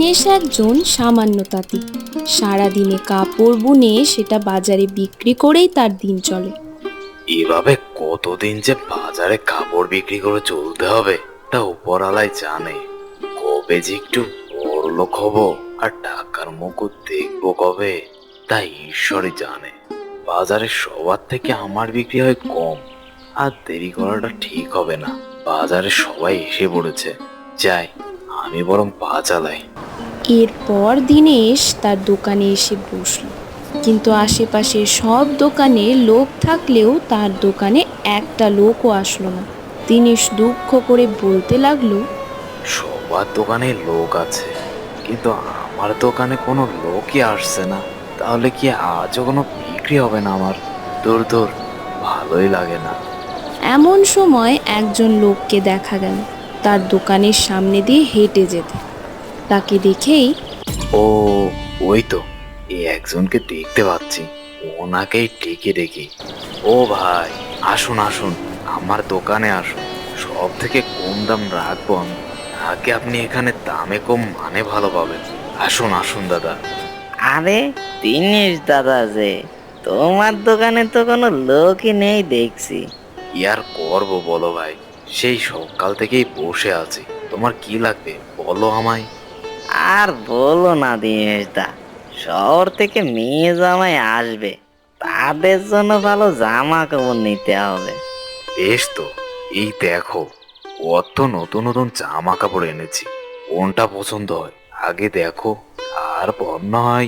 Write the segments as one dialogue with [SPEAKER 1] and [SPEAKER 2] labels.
[SPEAKER 1] দীনেশ একজন সামান্য তাঁতি। সারাদিনে কাপড় বুনে সেটা বাজারে বিক্রি করেই তার দিন চলে।
[SPEAKER 2] এভাবে কতদিন যে বাজারে কাপড় বিক্রি করে চলতে হবে তা উপরওয়ালাই জানে। কবে যে একটু বড়লোক হবো আর টাকার মুকুট দেখবো কবে, তা ঈশ্বরই জানে। বাজারে সবার থেকে আমার বিক্রি হয় কম, আর দেরি করাটা ঠিক হবে না। বাজারে সবাই এসে পড়েছে, যাই আমি বরং পা চালাই।
[SPEAKER 1] এরপর দীনেশ তার দোকানে এসে বসল, কিন্তু আশেপাশে সব দোকানে লোক থাকলেও তার দোকানে একটা লোকও আসলো না। দীনেশ দুঃখ করে বলতে লাগলো,
[SPEAKER 2] সবার দোকানে লোক আছে, কিন্তু আমার দোকানে কোনো লোকই আসছে না। তাহলে কি আজও কোনো বিক্রি হবে না আমার? দূর দূর, ভালোই লাগে না।
[SPEAKER 1] এমন সময় একজন লোককে দেখা গেল তার দোকানের সামনে দিয়ে হেঁটে যেতে। তাকে দেখেই
[SPEAKER 2] ও, ওই তো, এই একজনকে দেখতে পাচ্ছি। ওনাকেই ডেকে ডেকে, ও ভাই, আসুন আসুন, আমার দোকানে আসুন। সব থেকে কম দাম রাখবো আমি, আগে আপনি এখানে দামে কম মানে ভালো পাবেন। আসুন আসুন দাদা।
[SPEAKER 3] আরে দিনেশ দাদা যে, তোমার দোকানে তো কোনো লোকই নেই দেখছি।
[SPEAKER 2] কি আর করবো বলো ভাই, সেই সকাল থেকেই বসে আছি। তোমার কি লাগবে বলো আমায়।
[SPEAKER 3] আর বলো না দিনেশ দা, শহর থেকে মেয়ে জামাই আসবে, তাদের জন্য ভালো জামা কাপড় নিতে হবে।
[SPEAKER 2] বেশ তো, এই দেখো, কত নতুন নতুন জামা কাপড় এনেছি। কোনটা পছন্দ হয় আগে দেখো, তারপর না হয়।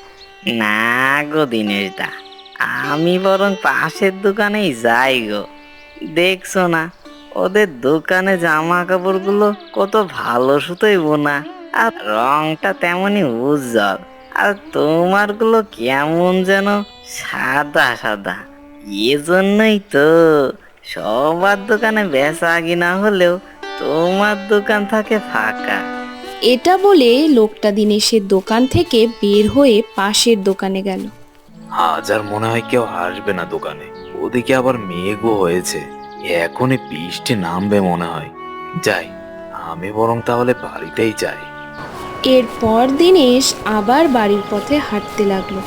[SPEAKER 3] না গো দিনেশ দা, আমি বরং পাশের দোকানেই যাই গো। দেখছো না, ওদের দোকানে জামা কাপড়গুলো কত ভালো সুতোই বোনা, আর রংটা তেমনই উজ্জ্বল। আর তোমারগুলো কেমন যেন সাদা সাদা। এজন্যই তো সবার দোকানে বেচা কিনা হলেও তোমার দোকান থাকে ফাঁকা।
[SPEAKER 1] এটা বলে লোকটা দীনেশের দোকান থেকে বের হয়ে পাশের দোকানে গেল।
[SPEAKER 2] আজ আর মনে হয় কেউ আসবে না দোকানে। ওদিকে আবার মেঘও হয়েছে, এখনই বৃষ্টি নামবে মনে হয়। যাই, আমি বরং তাহলে বাড়িতেই যাই।
[SPEAKER 1] এরপর দীনেশ আবার বাড়ির পথে হাঁটতে লাগলো।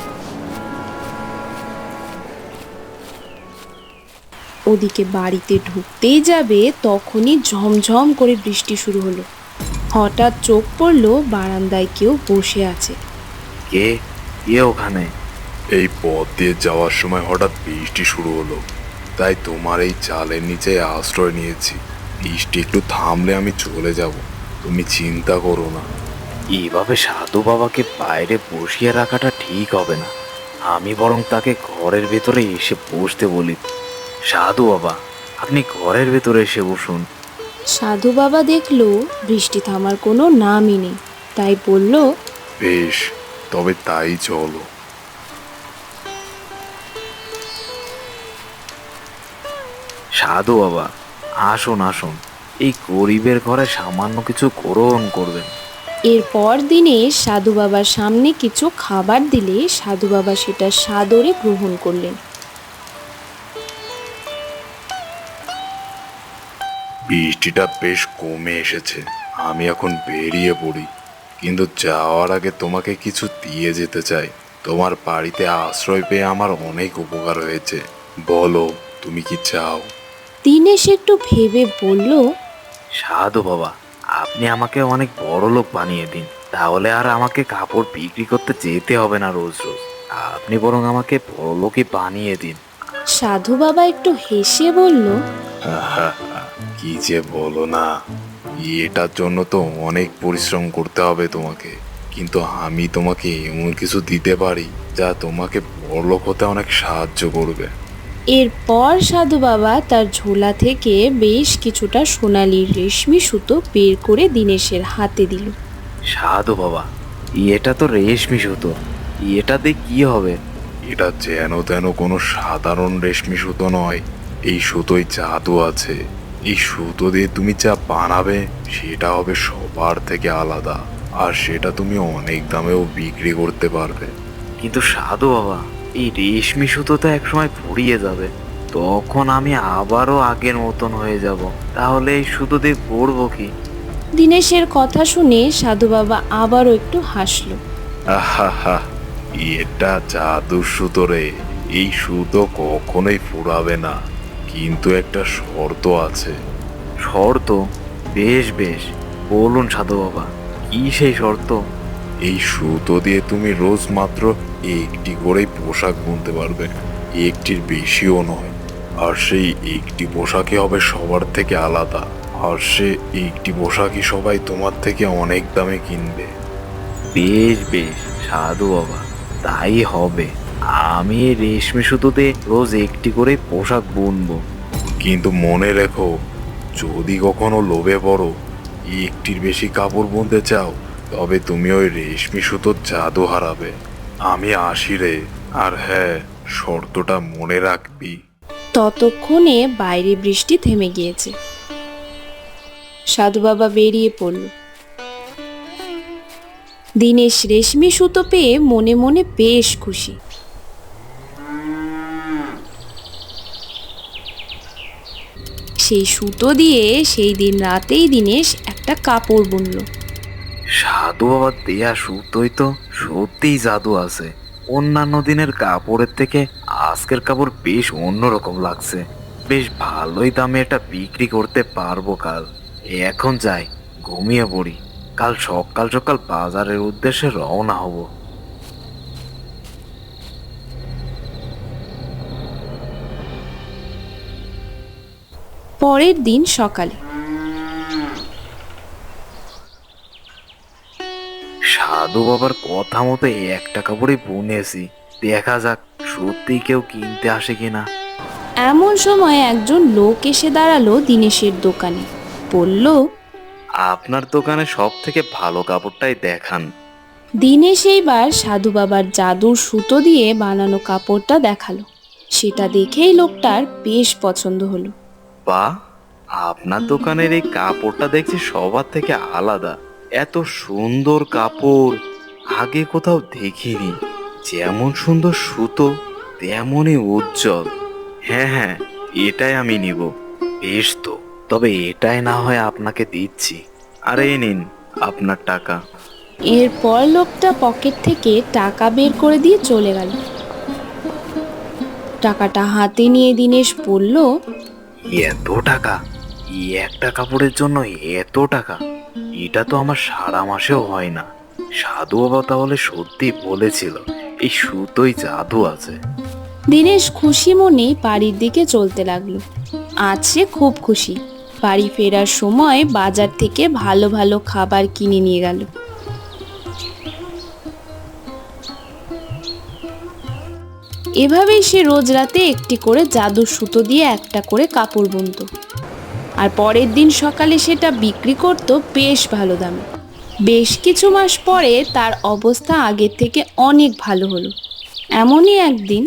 [SPEAKER 1] ওদিকে বাড়িতে ঢুকতেই যাবে তখনই ঝমঝম করে বৃষ্টি শুরু হলো। হঠাৎ চোখ পড়লো বারান্দায় কেউ বসে আছে।
[SPEAKER 2] কে কে ওখানে?
[SPEAKER 4] এই পথ দিয়ে যাওয়ার সময় হঠাৎ বৃষ্টি শুরু হলো, তাই তোমার এই চালের নিচে আশ্রয় নিয়েছি। বৃষ্টি একটু থামলে আমি চলে যাব, তুমি চিন্তা করো না।
[SPEAKER 2] এইভাবে সাধু বাবাকে বাইরে বসিয়ে রাখাটা ঠিক হবে না। আমি বরং তাকে ঘরের ভেতরে এসে বসতে বলি। সাধু বাবা, আপনি ঘরের ভেতরে এসে বসুন।
[SPEAKER 1] সাধু বাবা দেখলো বৃষ্টি থামার কোনো নামই নেই, তাই বলল,
[SPEAKER 4] বেশ, তবে তাই চলো।
[SPEAKER 2] সাধু বাবা, আসুন আসুন, এই গরিবের ঘরে সামান্য কিছু গ্রহণ করবেন।
[SPEAKER 1] এরপর দীনেশ সাধু বাবার সামনে কিছু খাবার দিলে সাধু বাবা সেটা সাদরে গ্রহণ করলেন।
[SPEAKER 4] বৃষ্টিটা বেশ কমে এসেছে, আমি এখন বেরিয়ে পড়ি। কিন্তু যাওয়ার আগে তোমাকে কিছু দিয়ে যেতে চাই। তোমার বাড়িতে আশ্রয় পেয়ে আমার অনেক উপকার হয়েছে। বলো, তুমি কি চাও?
[SPEAKER 1] দীনেশ একটু ভেবে বলল,
[SPEAKER 2] সাধু বাবা, আপনি আমাকে অনেক বড় লোক বানিয়ে দিন, তাহলে আর আমাকে কাপড় বিক্রি করতে যেতে হবে না রোজ রোজ। আপনি বরং আমাকে বড় লোকই বানিয়ে দিন।
[SPEAKER 1] সাধু বাবা একটু হেসে বলল,
[SPEAKER 4] কি যে বলো না, এটার জন্য তো অনেক পরিশ্রম করতে হবে তোমাকে। কিন্তু আমি তোমাকে এমন কিছু দিতে পারি যা তোমাকে বড়লোক হতে অনেক সাহায্য করবে।
[SPEAKER 1] এরপর সাধু বাবা তার ঝোলা থেকে বেশ কিছুটা সোনালি রেশমি সুতো বের করে দীনেশের হাতে দিল।
[SPEAKER 2] সাধু বাবা, এটা তো রেশমি সুতো, এটা দিয়ে কি হবে?
[SPEAKER 4] এটা যেন তেন কোনো সাধারণ রেশমি সুতো নয়, এই সুতোয় জাদু আছে। এই সুতো দিয়ে তুমি যা বানাবে সেটা হবে সবার থেকে আলাদা, আর সেটা তুমি অনেক দামেও বিক্রি করতে পারবে।
[SPEAKER 2] কিন্তু সাধু বাবা, এই রেশমি সুতো তো একসময় ফুরিয়ে যাবে, তখন আমি আবারও আগের মতন হয়ে যাব। তাহলে এই সুতো দিয়ে পরবো কি?
[SPEAKER 1] দীনেশের কথা শুনে সাধু বাবা আবারও একটু হাসলো।
[SPEAKER 4] আহা, এটা জাদুর সুতো রে। এই সুতো কখনোই ফুরাবে না, কিন্তু একটা শর্ত আছে।
[SPEAKER 2] শর্ত? বেশ বেশ, বলুন সাধু বাবা, কি সেই শর্ত?
[SPEAKER 4] এই সুতো দিয়ে তুমি রোজ মাত্র একটি করেই পোশাক বুনতে পারবে, একটির বেশিও নয়। আর সেই একটি পোশাকই হবে সবার থেকে আলাদা, আর সে একটি পোশাকই সবাই তোমার থেকে অনেক দামে কিনবে।
[SPEAKER 2] বেশ বেশ সাধু বাবা, তাই হবে। আমি এই রেশমি সুতোতে রোজ একটি করে পোশাক বুনবো।
[SPEAKER 4] কিন্তু মনে রেখো, যদি কখনো লোভে পড়ো, একটির বেশি কাপড় বুনতে চাও, তবে তুমি ওই রেশমি সুতোর জাদু হারাবে। আমি আসি রে। আর হ্যাঁ, শর্তটা মনে রাখবি।
[SPEAKER 1] ততক্ষণে বাইরে বৃষ্টি থেমে গিয়েছে। সাধু বাবা বেরিয়ে পড়ল। দীনেশ রেশমি সুতো পেয়ে মনে মনে বেশ খুশি। সেই সুতো দিয়ে সেই দিন রাতেই দীনেশ একটা কাপড় বুনলো।
[SPEAKER 2] সাধু বাবার দেয়া সুতোই তো সত্যিই জাদু আছে। অন্যান্য দিনের কাপড়ের থেকে আজকের কাপড় বেশ অন্যরকম লাগছে। বেশ ভালোই দামে এটা বিক্রি করতে পারবো কাল। এখন যাই, ঘুমিয়ে পড়ি। কাল সকাল সকাল বাজারের উদ্দেশ্যে রওনা হব।
[SPEAKER 1] পরের দিন সকালে
[SPEAKER 2] সাধু বাবার কথা মতো একটা কাপড়ই বুনেছি। দেখা যাক সত্যি কেউ কিনতে আসে কিনা।
[SPEAKER 1] এমন সময় একজন লোক এসে দাঁড়ালো দীনেশের দোকানে। বলল,
[SPEAKER 2] আপনার দোকানে সব থেকে ভালো কাপড়টাই দেখান।
[SPEAKER 1] দীনেশ এইবার সাধু বাবার জাদুর সুতো দিয়ে বানানো কাপড়টা দেখালো। সেটা দেখেই লোকটার বেশ পছন্দ হলো।
[SPEAKER 2] বা, আপনার দোকানের এই কাপড়টা দেখছি সবার থেকে আলাদা। এত সুন্দর কাপড় আগে কোথাও দেখিনি। যেমন সুন্দর সুতো, তেমনই উজ্জ্বল। হ্যাঁ হ্যাঁ, এটাই আমি নিব। বেশ তো, তবে এটাই না হয় আপনাকে দিচ্ছি। আর এই নিন আপনার টাকা।
[SPEAKER 1] এরপর লোকটা পকেট থেকে টাকা বের করে দিয়ে চলে গেল। টাকাটা হাতে নিয়ে দীনেশ বলল,
[SPEAKER 2] এত টাকা? এই একটা কাপড়ের জন্য এত টাকা? এটা তো আমার সারা মাসেও হয় না। সাধু বাবা তাহলে সত্যি বলেছিল এই সুতোই জাদু আছে।
[SPEAKER 1] দীনেশ খুশি মনে বাড়ির দিকে চলতে লাগলো। আজ সে খুব খুশি। বাড়ি ফেরার সময় বাজার থেকে ভালো ভালো খাবার কিনে নিয়ে গেল। এভাবেই সে রোজ রাতে একটি করে জাদুর সুতো দিয়ে একটা করে কাপড় বুনতো। আর পরের দিন সকালে সেটা বিক্রি করত বেশ ভালো দামে। বেশ কিছু মাস পরে তার অবস্থা আগের থেকে অনেক ভালো হলো। এমনই একদিন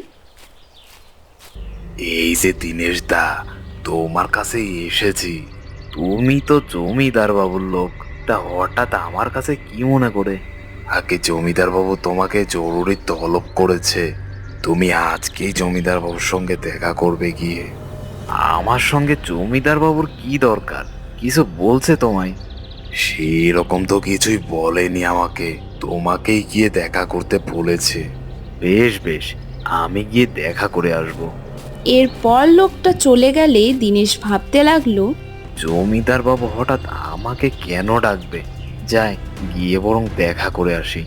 [SPEAKER 2] এই যে দিনেশ দা, তোমার কাছে এসেছি। তুমি তো জমিদার বাবুর লোক, তা হঠাৎ আমার কাছে কি মনে করে?
[SPEAKER 4] আগে জমিদার বাবু তোমাকে জরুরি তলব করেছে। তুমি আজকেই জমিদার বাবুর সঙ্গে দেখা করবে গিয়ে।
[SPEAKER 2] আমার সঙ্গে জমিদার বাবুর কি দরকার? কিছু বলছে তোমায়?
[SPEAKER 4] সেরকম তো কিছুই বলেনি আমাকে, তোমাকেই গিয়ে দেখা করতে বলেছে।
[SPEAKER 2] বেশ বেশ, আমি গিয়ে দেখা করে আসবো।
[SPEAKER 1] এরপর লোকটা চলে গেলে দীনেশ ভাবতে লাগলো,
[SPEAKER 2] জমিদার বাবু হঠাৎ আমাকে কেন ডাকবে? যাই, গিয়ে বরং দেখা করে আসি।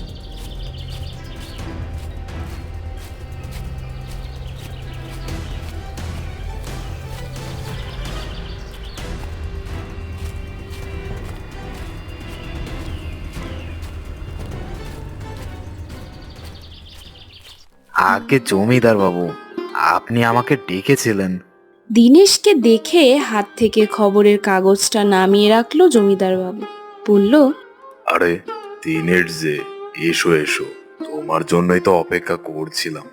[SPEAKER 2] আগে জমিদার বাবু, আপনি আমাকে ডেকেছিলেন?
[SPEAKER 1] দীনেশকে দেখে হাত থেকে খবরের কাগজটা নামিয়ে রাখলো জমিদার বাবু। বলল,
[SPEAKER 4] আরে দিনের যে, এসো এসো, তোমার জন্যই তো অপেক্ষা করছিলাম।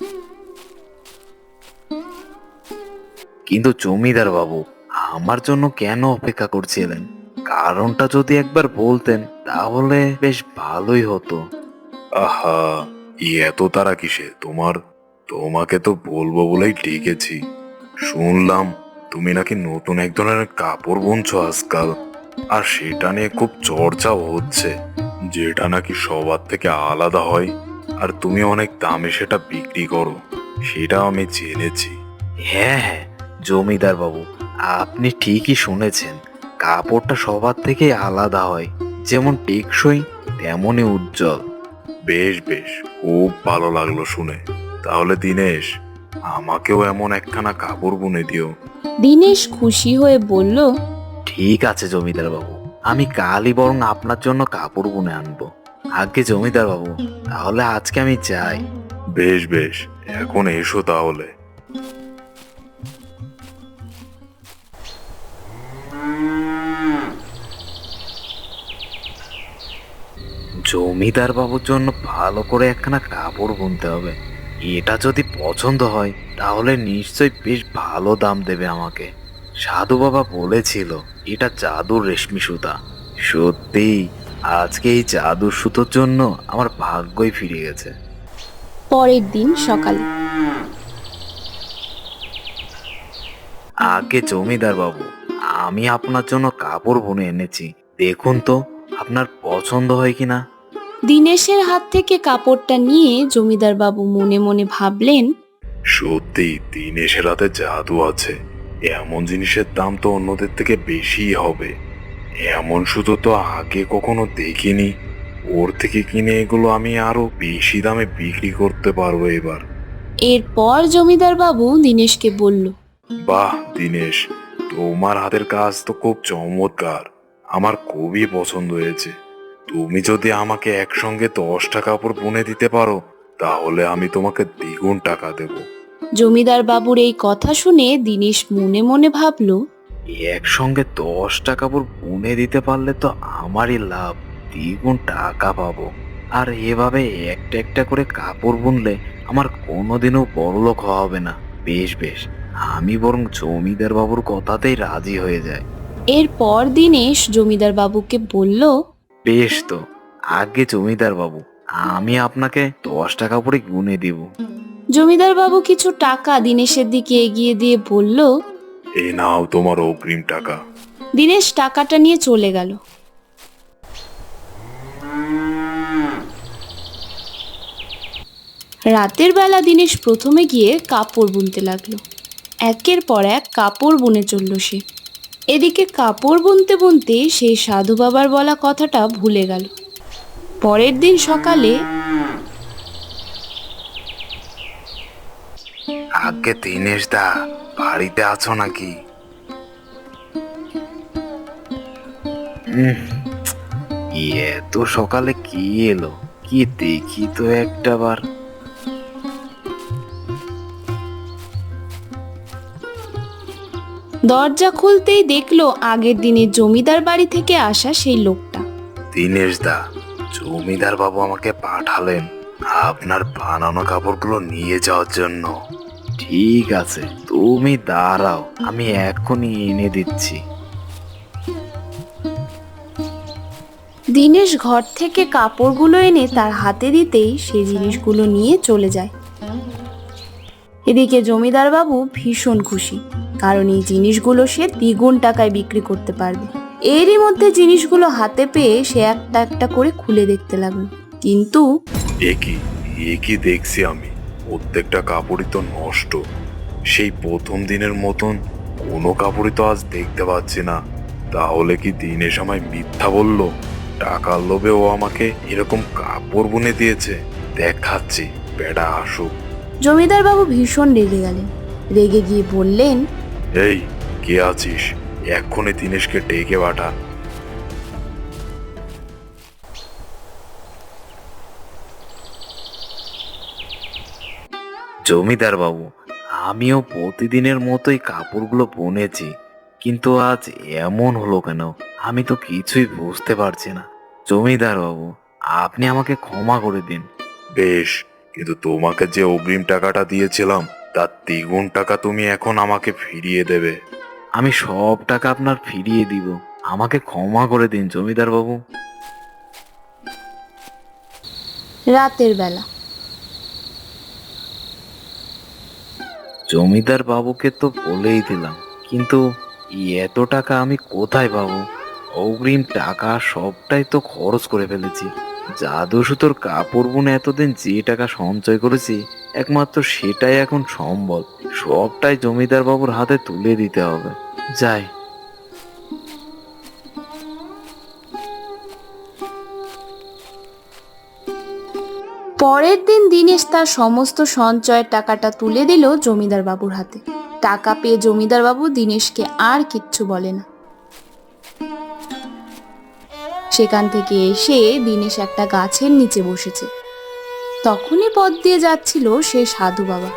[SPEAKER 2] কিন্তু জমিদার বাবু, আমার জন্য কেন অপেক্ষা করছিলেন? কারণটা যদি একবার বলতেন তাহলে বেশ ভালোই হতো।
[SPEAKER 4] আহা, এত তারা কিসে তোমার? তোমাকে তো বলবো বলেই ডেকেছি। শুনলাম তুমি নাকি নতুন এক ধরনের কাপড় বুনছো আজকাল। আর সেটা নিয়ে খুব চর্চাও হচ্ছে, যেটা নাকি সবার থেকে আলাদা হয়, আর তুমি অনেক দামে সেটা বিক্রি করো, সেটাও আমি জেনেছি।
[SPEAKER 2] হ্যাঁ হ্যাঁ, জমিদার বাবু, আপনি ঠিকই শুনেছেন। কাপড়টা সবার থেকে আলাদা হয়, যেমন টেকসই তেমনই উজ্জ্বল।
[SPEAKER 4] বেশ বেশ, খুব ভালো লাগলো শুনে। তাহলে দিনেশ, আমাকেও এমন একখানা কাপড় বুনে দিও।
[SPEAKER 1] দিনেশ খুশি হয়ে বলল,
[SPEAKER 2] ঠিক আছে জমিদার বাবু, আমি কালই বরং আপনার জন্য কাপড় বুনে আনবো। আগে জমিদার বাবু, তাহলে আজকে আমি যাই।
[SPEAKER 4] বেশ বেশ, এখন এসো তাহলে।
[SPEAKER 2] জমিদার বাবুর জন্য ভালো করে একখানা কাপড় বুনতে হবে। এটা যদি পছন্দ হয় তাহলে নিশ্চয়ই বেশ ভালো দাম দেবে আমাকে। সাধু বাবা বলেছিল এটা জাদুর রেশমি সুতা। সত্যি, আজকে এই জাদুর সুতোর জন্য আমার ভাগ্যই ফিরে গেছে।
[SPEAKER 1] পরের দিন সকালে
[SPEAKER 2] আগে জমিদার বাবু, আমি আপনার জন্য কাপড় বুনে এনেছি, দেখুন তো আপনার পছন্দ হয় কিনা।
[SPEAKER 1] দিনেশের হাত থেকে কাপড়টা নিয়ে জমিদার বাবু মনে মনে ভাবলেন,
[SPEAKER 4] সত্যি দিনেশের হাতে জাদু আছে। এমন জিনিসের দাম তো অন্যদের থেকে বেশিই হবে। এমন সুতো তো আগে কখনো দেখিনি। ওর থেকে কিনে এগুলো আমি আরো বেশি দামে বিক্রি করতে পারবো এবার।
[SPEAKER 1] এরপর জমিদার বাবু দিনেশকে বলল,
[SPEAKER 4] বাহ দিনেশ, তোমার হাতের কাজ তো খুব চমৎকার। আমার খুবই পছন্দ হয়েছে। তুমি যদি আমাকে একসঙ্গে 10টা কাপড় বুনে দিতে পারো, তাহলে আমি তোমাকে দ্বিগুণ টাকা দেব।
[SPEAKER 1] জমিদার বাবুর এই কথা শুনে দিনেশ মনে মনে ভাবল,
[SPEAKER 2] একসঙ্গে 10টা কাপড় বুনে দিতে পারলে তো আমারই লাভ, দ্বিগুণ টাকা পাবো। আর এভাবে একটা একটা করে কাপড় বুনলে আমার কোনোদিনও বড়লোক হওয়া হবে না। বেশ বেশ, আমি বরং জমিদার বাবুর কথাতেই রাজি হয়ে যাই।
[SPEAKER 1] এরপর দিনেশ জমিদার বাবুকে বলল,
[SPEAKER 2] বেশ তো, আগে জমিদার বাবু, আমি আপনাকে 10টা কাপড়ই গুনে দিব।
[SPEAKER 1] জমিদার বাবু কিছু টাকা দিনেশের দিকে এগিয়ে দিয়ে বলল।
[SPEAKER 4] এই নাও তোমার অগ্রিম টাকা।
[SPEAKER 1] দিনেশ টাকাটা নিয়ে চলে গেল। রাতের বেলা দিনেশ প্রথমে গিয়ে কাপড় বুনতে লাগলো। একের পর এক কাপড় বুনে চলল সে। এদিকে কাপড় বুনতে বুনতে সেই সাধু বাবার বলা কথাটা ভুলে গেল। পরের দিন সকালে
[SPEAKER 2] আগে দিনেশ দা, বাড়িতে আছো নাকি? এত সকালে কি এলো, কি দেখি তো একটাবার।
[SPEAKER 1] দরজা খুলতেই দেখলো আগের দিনে জমিদার বাড়ি থেকে আসা সেই লোকটা।
[SPEAKER 2] দিনেশ দা, জমিদার বাবু আমাকে পাঠালেন আপনার বানানো কাপড়গুলো নিয়ে যাওয়ার জন্য। ঠিক আছে, তুমি দাঁড়াও, আমি এখনই এনে দিচ্ছি।
[SPEAKER 1] দিনেশ ঘর থেকে কাপড়গুলো এনে তার হাতে দিতেই সে জিনিসগুলো নিয়ে চলে যায়। এদিকে জমিদার বাবু ভীষণ খুশি, কারণ এই জিনিসগুলো সে দ্বিগুণ টাকায় বিক্রি করতে পারবে। এরই মধ্যে জিনিসগুলো হাতে পেয়ে সে একটা একটা করে খুলে দেখতে লাগলো, কিন্তু
[SPEAKER 4] একই দেখছি আমি, প্রত্যেকটা কাপড়ই তো নষ্ট। সেই প্রথম দিনের মতন কোনো কাপড়ই তো আজ দেখতে পাচ্ছি না। তাহলে কি দিনেশ আমায় মিথ্যা বললো? টাকার লোভে ও আমাকে এরকম কাপড় বুনে দিয়েছে। দেখাচ্ছি, বেটা আসুক।
[SPEAKER 1] জমিদার বাবু ভীষণ রেগে গেলেন। রেগে গিয়ে বললেন,
[SPEAKER 4] এই, কে আছিস? এক্ষুনি দিনেশকে ডেকে পাঠা।
[SPEAKER 2] জমিদার বাবু, আমিও প্রতিদিনের মতোই কাপড়গুলো বুনেছি, কিন্তু আজ এমন হলো কেন আমি তো কিছুই বুঝতে পারছি না। জমিদার বাবু, আপনি আমাকে ক্ষমা করে দিন।
[SPEAKER 4] বেশ, কিন্তু তোমাকে যে অগ্রিম টাকাটা দিয়েছিলাম তার দ্বিগুণ টাকা তুমি এখন আমাকে ফিরিয়ে দেবে।
[SPEAKER 2] আমি সব টাকা আপনার ফিরিয়ে দিব, আমাকে ক্ষমা করে দিন জমিদার বাবু।
[SPEAKER 1] রাতের বেলা
[SPEAKER 2] জমিদার বাবুকে তো বলেই দিলাম, কিন্তু এত টাকা আমি কোথায় পাবো? অগ্রিম টাকা সবটাই তো খরচ করে ফেলেছি। জাদু সুতোর কাপড় বুনে এতদিন যে টাকা সঞ্চয় করেছি, একমাত্র সেটাই এখন সম্বল। সবটাই জমিদার বাবুর হাতে তুলে দিতে হবে। যাই।
[SPEAKER 1] পরের দিন দিনেশ তার সমস্ত সঞ্চয়ের টাকাটা তুলে দিল জমিদার বাবুর হাতে। টাকা পেয়ে জমিদার বাবু দিনেশকে আর কিচ্ছু বলে না। সেখান থেকে এসে দিনেশ একটা গাছের নিচে বসেছে। তখনই পথ দিয়ে যাচ্ছিল সেই সাধু বাবা।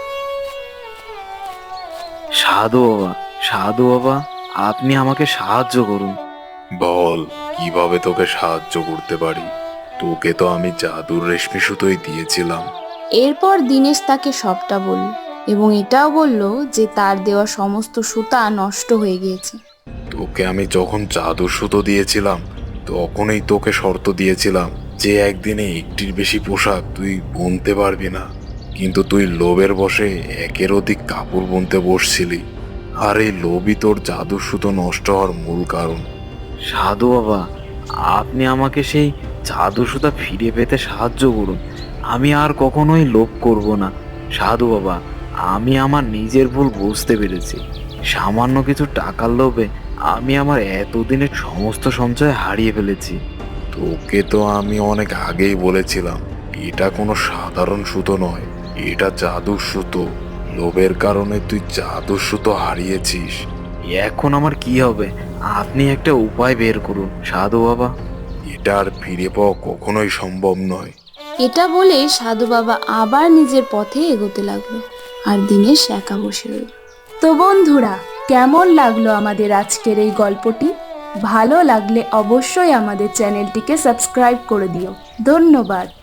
[SPEAKER 2] সাধু বাবা, সাধু বাবা, আপনি আমাকে সাহায্য করুন।
[SPEAKER 4] বল, কিভাবে তোকে সাহায্য করতে পারি? তোকে তো আমি জাদুর রেশমি সুতোই দিয়েছিলাম।
[SPEAKER 1] এরপর দিনেশ তাকে সবটা বলল এবং এটাও বলল যে তার দেওয়া সমস্ত সুতা নষ্ট হয়ে গিয়েছে।
[SPEAKER 4] তোকে আমি যখন জাদুর সুতো দিয়েছিলাম, তখনই তোকে শর্ত দিয়েছিলাম যে একদিনে একটির বেশি পোশাক তুই বুনতে পারবি না। কিন্তু তুই লোভের বশে একের অধিক কাপড় বুনতে বসছিলি, আর এই লোভই তোর জাদুর সুতো নষ্ট হওয়ার মূল কারণ।
[SPEAKER 2] সাধু বাবা, আপনি আমাকে সেই জাদু সুতা ফিরে পেতে সাহায্য করুন। আমি আর কখনোই লোভ করব না। সাধু বাবা, আমি আমার নিজের ভুল বুঝতে পেরেছি। সামান্য কিছু টাকার লোভে আমি আমার এতদিনের সমস্ত সঞ্চয় হারিয়ে ফেলেছি।
[SPEAKER 4] তোকে তো আমি অনেক আগেই বলেছিলাম, এটা কোনো সাধারণ সুতো নয়, এটা জাদুর সুতো। লোভের কারণে তুই জাদুর সুতো হারিয়েছিস।
[SPEAKER 2] এখন আমার কি হবে? আপনি একটা উপায় বের করুন সাধু বাবা।
[SPEAKER 4] এটা আর ফিরে পাওয়া কখনোই সম্ভব নয়।
[SPEAKER 1] এটা বলে সাধু বাবা আবার নিজের পথে এগোতে লাগলো আর দিনেশ একা বসে রইল। তো বন্ধুরা, কেমন লাগলো আমাদের আজকের এই গল্পটি? ভালো লাগলে অবশ্যই আমাদের চ্যানেলটিকে সাবস্ক্রাইব করে দিও। ধন্যবাদ।